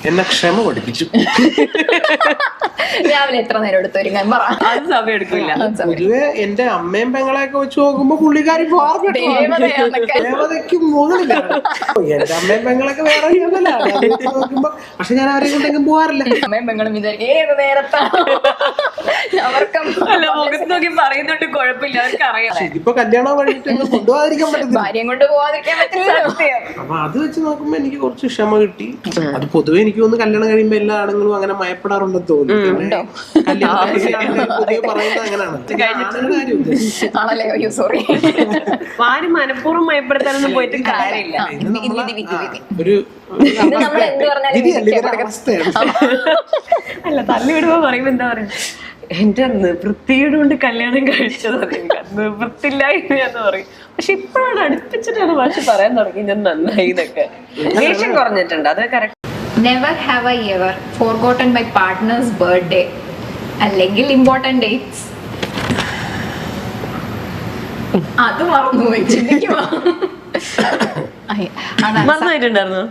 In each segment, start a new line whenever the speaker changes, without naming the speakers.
എന്നെ ക്ഷമ പഠിപ്പിച്ചു.
രാവിലെ എത്ര നേരം എടുത്തു ഒരുങ്ങാൻ പറ.
അത് സമയം എടുക്കില്ല.
പൊതുവെ എന്റെ അമ്മയും പെങ്ങളെയൊക്കെ വെച്ച് നോക്കുമ്പോ പുള്ളിക്കാരി ദേവതയ്ക്ക് മുകളിലാണ്. എന്റെ അമ്മയും പെങ്ങളൊക്കെ വേറെ നോക്കുമ്പോ, പക്ഷെ ഞാൻ ആരെയും കൊണ്ടെങ്കിലും പോവാറില്ല.
അമ്മയും പെങ്ങളും വിചാരിക്കും ഏത് നേരത്താണ് അവർക്കും
മുഖത്ത് നോക്കി പറയുന്നുണ്ട്, കുഴപ്പമില്ല, അവർക്ക് അറിയാം.
ഇതിപ്പോ കല്യാണം കഴിഞ്ഞിട്ട് കൊണ്ടുപോകാതിരിക്കാൻ പറ്റില്ല,
ഭാര്യയും കൊണ്ട് പോവാതിരിക്കാൻ പറ്റില്ല.
അപ്പൊ അത് വെച്ച് നോക്കുമ്പോ എനിക്ക് കുറച്ച് ക്ഷമ കിട്ടി. അത് പൊതുവെ എനിക്ക് തോന്നുന്നു കല്യാണം കഴിയുമ്പോ എല്ലാ ആണുങ്ങളും അങ്ങനെ മയപ്പെടാറുണ്ടെന്ന് തോന്നുന്നു. പറയുന്നത് അങ്ങനെയാണ്.
ആണല്ലേ? അയ്യോ സോറി.
ആരും മനഃപൂർവ്വം മയപ്പെടുത്താനൊന്നും പോയിട്ട് കാര്യമില്ല.
ഒരു
അല്ല, തള്ളിവിടുമ്പോ പറയുമ്പോ എന്താ പറയാ, എന്റെ നിവൃത്തിയുടെ കൊണ്ട് കല്യാണം കഴിച്ചത്, നിവൃത്തില്ലായിരുന്നു എന്ന് പറയും. പക്ഷെ ഇപ്പോഴാണ് അടുപ്പിച്ചിട്ടാണ് ഭാഷ പറയാൻ തുടങ്ങി ഞാൻ നന്നായി എന്നൊക്കെ. ദേഷ്യം കുറഞ്ഞിട്ടുണ്ട്, അത് correct.
Never have I ever forgotten my partner's birthday അല്ലെങ്കിൽ important dates. അത് മറന്നു പോയി. ചിന്തിക്കുവാ
മറന്നായിട്ടുണ്ടായിരുന്നു.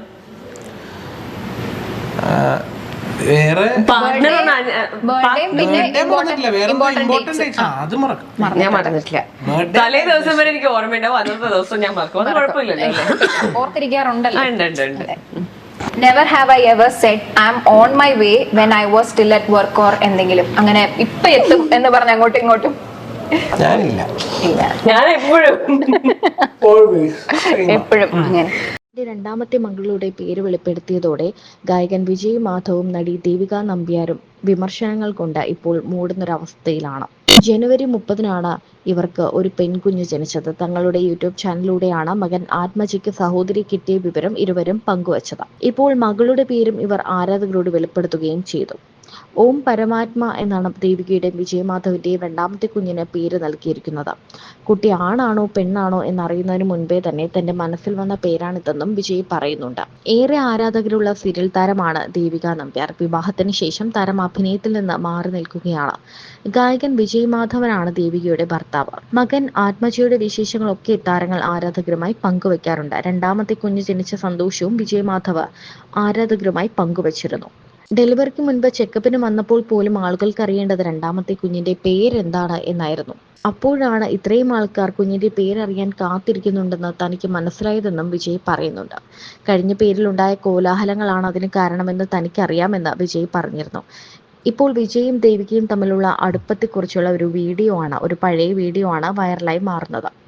വേറെ
ഞാൻ മറന്നിട്ടില്ല. തലേ ദിവസം വരെ എനിക്ക് ഓർമ്മയുണ്ടാവും, അന്നത്തെ ദിവസം ഞാൻ മറക്കും. അത് കുഴപ്പമില്ലല്ലോ,
ഓർത്തിരിക്കാറുണ്ടല്ലോ.
ഉണ്ട്.
Never have I ever said I'm on my way when I was still at work or എന്തെങ്കിലും അങ്ങനെ ഇപ്പൊ എത്തും എന്ന് പറഞ്ഞ അങ്ങോട്ടും ഇങ്ങോട്ടും
ഞാനില്ല.
ഞാൻ
എപ്പോഴും അങ്ങനെ.
രണ്ടാമത്തെ മകളുടെ പേര് വെളിപ്പെടുത്തിയതോടെ ഗായകൻ വിജയ് മാധവും നടി ദേവിക നമ്പ്യാരും വിമർശനങ്ങൾ കൊണ്ട് ഇപ്പോൾ മൂടുന്നൊരവസ്ഥയിലാണ്. ജനുവരി 30-നാണ് ഇവർക്ക് ഒരു പെൺകുഞ്ഞ് ജനിച്ചത്. തങ്ങളുടെ യൂട്യൂബ് ചാനലിലൂടെയാണ് മകൻ ആത്മജിക്ക് സഹോദരി കിട്ടിയ വിവരം ഇരുവരും പങ്കുവച്ചത്. ഇപ്പോൾ മകളുടെ പേരും ഇവർ ആരാധകരോട് വെളിപ്പെടുത്തുകയും ചെയ്തു. ഓം പരമാത്മ എന്നാണ് ദേവികയുടെയും വിജയമാധവിന്റെയും രണ്ടാമത്തെ കുഞ്ഞിന് പേര് നൽകിയിരിക്കുന്നത്. കുട്ടി ആണാണോ പെണ്ണാണോ എന്നറിയുന്നതിന് മുൻപേ തന്നെ തന്റെ മനസ്സിൽ വന്ന പേരാണിതെന്നും വിജയ് പറയുന്നുണ്ട്. ഏറെ ആരാധകരുള്ള സീരിയൽ താരമാണ് ദേവിക നമ്പ്യാർ. വിവാഹത്തിന് ശേഷം താരം അഭിനയത്തിൽ നിന്ന് മാറി നിൽക്കുകയാണ്. ഗായകൻ വിജയ് മാധവനാണ് ദേവികയുടെ ഭർത്താവ്. മകൻ ആത്മജിയുടെ വിശേഷങ്ങളൊക്കെ താരങ്ങൾ ആരാധകരുമായി പങ്കുവയ്ക്കാറുണ്ട്. രണ്ടാമത്തെ കുഞ്ഞ് ജനിച്ച സന്തോഷവും വിജയ് മാധവ് ആരാധകരുമായി പങ്കുവച്ചിരുന്നു. ഡെലിവറിക്ക് മുൻപ് ചെക്കപ്പിന് വന്നപ്പോൾ പോലും ആളുകൾക്ക് അറിയേണ്ടത് രണ്ടാമത്തെ കുഞ്ഞിന്റെ പേരെന്താണ് എന്നായിരുന്നു. അപ്പോഴാണ് ഇത്രയും ആൾക്കാർ കുഞ്ഞിന്റെ പേരറിയാൻ കാത്തിരിക്കുന്നുണ്ടെന്ന് തനിക്ക് മനസ്സിലായതെന്നും വിജയ് പറയുന്നുണ്ട്. കഴിഞ്ഞ പേരിലുണ്ടായ കോലാഹലങ്ങളാണ് അതിന് കാരണമെന്ന് തനിക്കറിയാമെന്ന് വിജയ് പറഞ്ഞിരുന്നു. ഇപ്പോൾ വിജയും ദേവികയും തമ്മിലുള്ള അടുപ്പത്തെക്കുറിച്ചുള്ള ഒരു പഴയ വീഡിയോ ആണ് വൈറലായി മാറുന്നത്.